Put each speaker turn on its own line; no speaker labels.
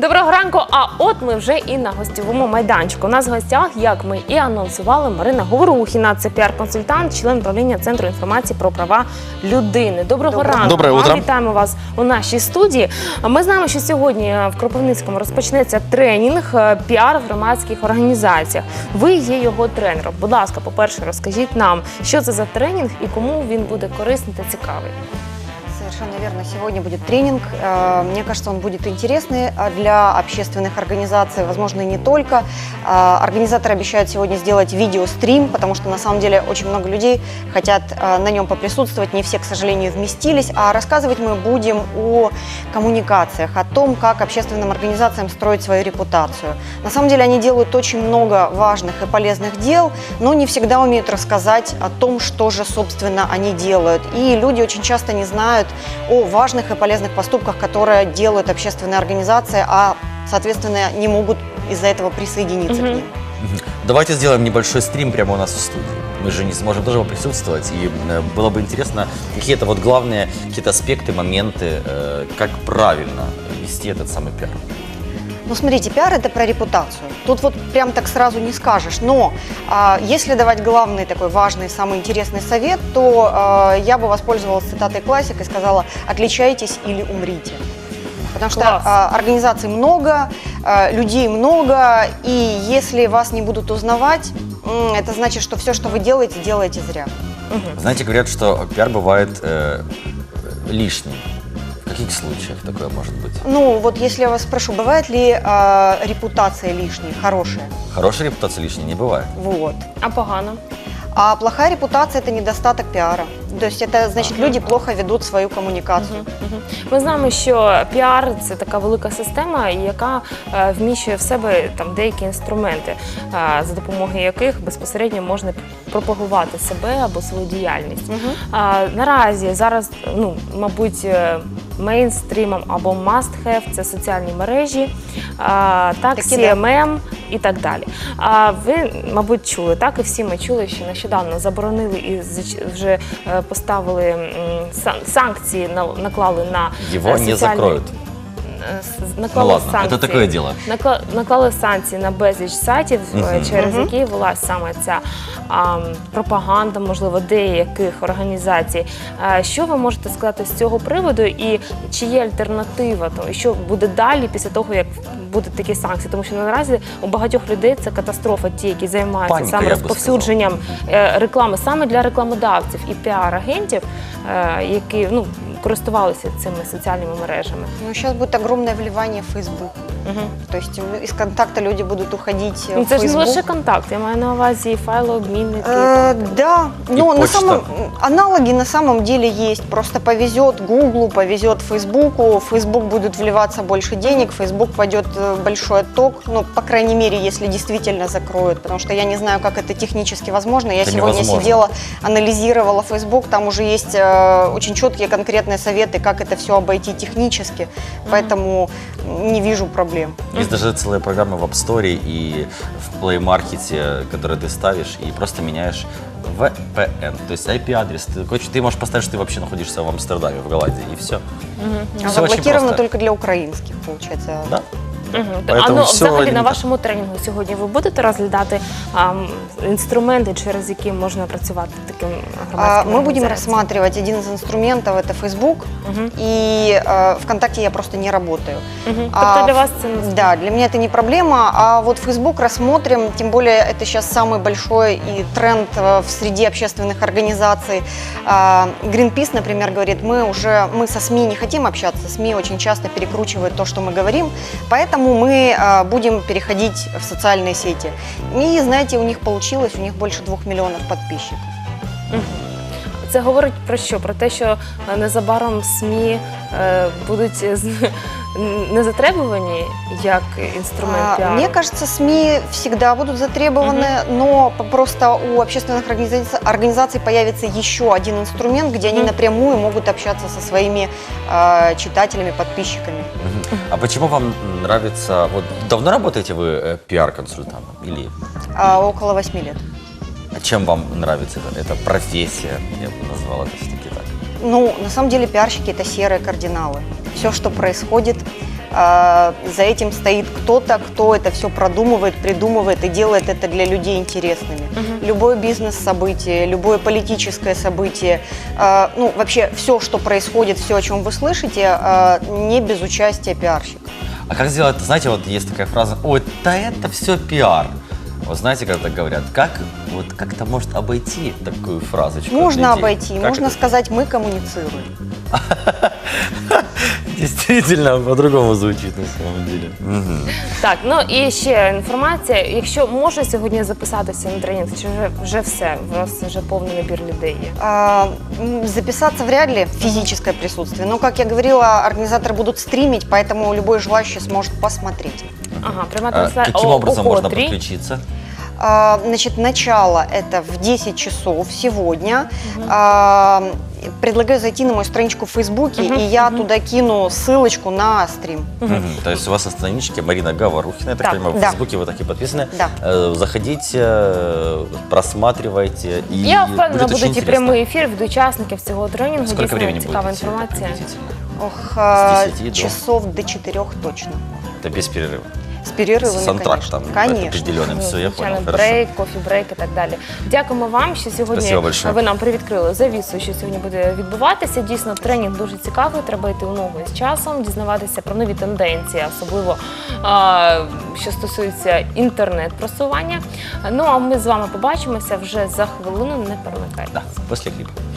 Доброго ранку, а от ми вже і на гостьовому майданчику. У нас в гостях, як ми і анонсували, Марина Говорухіна. Це піар-консультант, член правління Центру інформації про права людини. Доброго ранку.
Доброе утро.
Вітаємо вас у нашій студії. Ми знаємо, що сьогодні в Кропивницькому розпочнеться тренінг піар в громадських організаціях. Ви є його тренером. Будь ласка, по-перше, розкажіть нам, що це за тренінг і кому він буде корисний та цікавий.
Совершенно верно. Сегодня будет тренинг. Мне кажется, он будет интересный для общественных организаций, возможно, и не только. Организаторы обещают сегодня сделать видеострим, потому что на самом деле очень много людей хотят на нем поприсутствовать. Не все, к сожалению, вместились. А рассказывать мы будем о коммуникациях, о том, как общественным организациям строить свою репутацию. На самом деле они делают очень много важных и полезных дел, но не всегда умеют рассказать о том, что же, собственно, они делают. И люди очень часто не знают о важных и полезных поступках, которые делают общественные организации, а, соответственно, не могут из-за этого присоединиться к ним.
Давайте сделаем небольшой стрим прямо у нас в студии. Мы же не сможем тоже присутствовать, и было бы интересно какие-то вот главные какие-то аспекты, моменты, как правильно вести этот самый пиар.
Ну, смотрите, пиар – это про репутацию. Тут вот прям так сразу не скажешь. Но если давать главный такой важный, самый интересный совет, то я бы воспользовалась цитатой классика и сказала: «Отличайтесь или умрите». Потому что организаций много, людей много, и если вас не будут узнавать, это значит, что все, что вы делаете, делаете зря.
Знаете, говорят, что пиар бывает лишним. В каких случаях такое может быть?
Ну, вот если я вас спрошу, бывает ли репутация лишней, хорошая?
Хорошая репутация лишней не бывает.
Вот.
А погано?
А плохая репутация – это недостаток пиара. То есть это значит, люди плохо ведут свою комунікацію.
Ми знаємо, що піар – це така велика система, яка вміщує в себе там деякі інструменти, за допомогою яких безпосередньо можна пропагувати себе або свою діяльність. Наразі зараз, мабуть, мейнстрімом або must-have – це соціальні мережі, так, CMM і так далі. Ви, мабуть, чули, так, і всі ми чули, що нещодавно заборонили і вже поставили санкції, наклали на
Его не закроют.
Наклали
ладно,
санкції,
это такое дело.
Наклали санкції на безліч сайтів, через які велась саме ця пропаганда, можливо, деяких організацій. Що ви можете сказати з цього приводу і чи є альтернатива? І що буде далі після того, як будуть такі санкції? Тому що наразі у багатьох людей це катастрофа, ті, які займаються
Паніка,
саме
я би
розповсюдженням реклами саме для рекламодавців і піар-агентів, які користувалися цими соціальними мережами.
Ну, сейчас будет огромное вливание в Facebook. То есть из контакта люди будут уходить в
Це ж не
Facebook.
лише контакт, я маю на увазі файлообмінники.
Да, но
почта.
аналоги на самом деле есть. Просто повезет Гуглу, повезет Фейсбуку. В Фейсбук будет вливаться больше денег, в Фейсбук пойдет большой отток. Ну, по крайней мере, если действительно закроют. Потому что я не знаю, как это технически возможно. Я сегодня
невозможно.
сидела, анализировала Фейсбук. Там уже есть очень четкие конкретные советы, как это все обойти технически. Поэтому не вижу проблем.
Есть даже целые программы в App Store и в Play Market, которые ты ставишь и просто меняешь VPN, то есть IP-адрес. Ты можешь поставить, что ты вообще находишься в Амстердаме, в Голландии, и все.
Заблокировано только для украинских, получается.
Да.
Взагалі
все
на вашому тренінгу сьогодні ви будете розглядати інструменти, через які можна працювати таким громадським
Мы будем
організаціям?
рассматривать один из инструментов, это Facebook, и ВКонтакте я просто не работаю.
Тобто для вас це не
Да, для меня это не проблема, а вот Facebook рассмотрим, тем более это сейчас самый большой и тренд в среде общественных организаций. Greenpeace, например, говорит, мы со СМИ не хотим общаться, СМИ очень часто перекручивают то, что мы говорим, поэтому мы будем переходить в социальные сети. И, знаете, у них получилось, у них больше 2 миллионов подписчиков.
Це говорить про що? Про те, що незабаром СМІ будуть не затребувані як інструмент піару?
Мне кажется, СМИ всегда будут затребованы, но просто у общественных организаций появится еще один инструмент, где они напрямую могут общаться со своими читателями, подписчиками.
А почему вам нравится... Вот давно работаете вы пиар-консультантом? Или...
Около 8 лет.
А чем вам нравится эта профессия? Я бы назвал это все-таки так.
Ну, на самом деле пиарщики – это серые кардиналы. Все, что происходит, За этим стоит кто-то, кто это все продумывает, придумывает и делает это для людей интересными. Любое бизнес-событие, любое политическое событие, ну, вообще все, что происходит, все, о чем вы слышите, не без участия пиарщика.
А как сделать, знаете, вот есть такая фраза, ой, да это все пиар. Вот знаете, когда так говорят, как вот как-то может обойти такую фразочку?
Можно
от людей?
обойти,
Как
можно
это?
сказать, мы коммуницируем.
Действительно, по-другому звучит на самом деле.
Так, ну і ще інформація. Якщо можна сьогодні записатися на тренінг, чи вже все? У вас вже повний набір людей є?
Записаться вряд ли, физическое присутствие. Но, как я говорила, организаторы будут стримить, поэтому любой желающий сможет посмотреть.
Ага, пряма трансляція.
Каким образом
О
можно
котрій?
подключиться?
Значит, начало это в 10 часов сегодня. Предлагаю зайти на мою страничку в Фейсбуке, и я туда кину ссылочку на стрим.
То есть у вас на страничке Марина Говорухина, я так
Так,
понимаю, в
да.
Фейсбуке вы так и подписаны.
Да.
Заходите, просматривайте. И
Я впевнена,
будет очень
будуть і
интересно.
прямий ефір від учасників цього тренінгу.
Сколько
Дійсно
времени
цікава
будет идти
інформація.
приблизительно?
Ох,
С 10 до?
часов до 4 точно.
Это без перерыва.
С перерывами,
С антрактом
конечно.
определенным. Все, я понял,
Звичайно,
хорошо.
брейк, кофі-брейк і так далі. Дякуємо вам, що сьогодні
Спасибо большое.
ви нам привідкрили завісу, що сьогодні буде відбуватися. Дійсно, тренінг дуже цікавий, треба йти у ногу з часом, дізнаватися про нові тенденції, особливо що стосується інтернет-просування. Ну, а ми з вами побачимося вже за хвилину, не перемикайтеся.
Да, после клипа.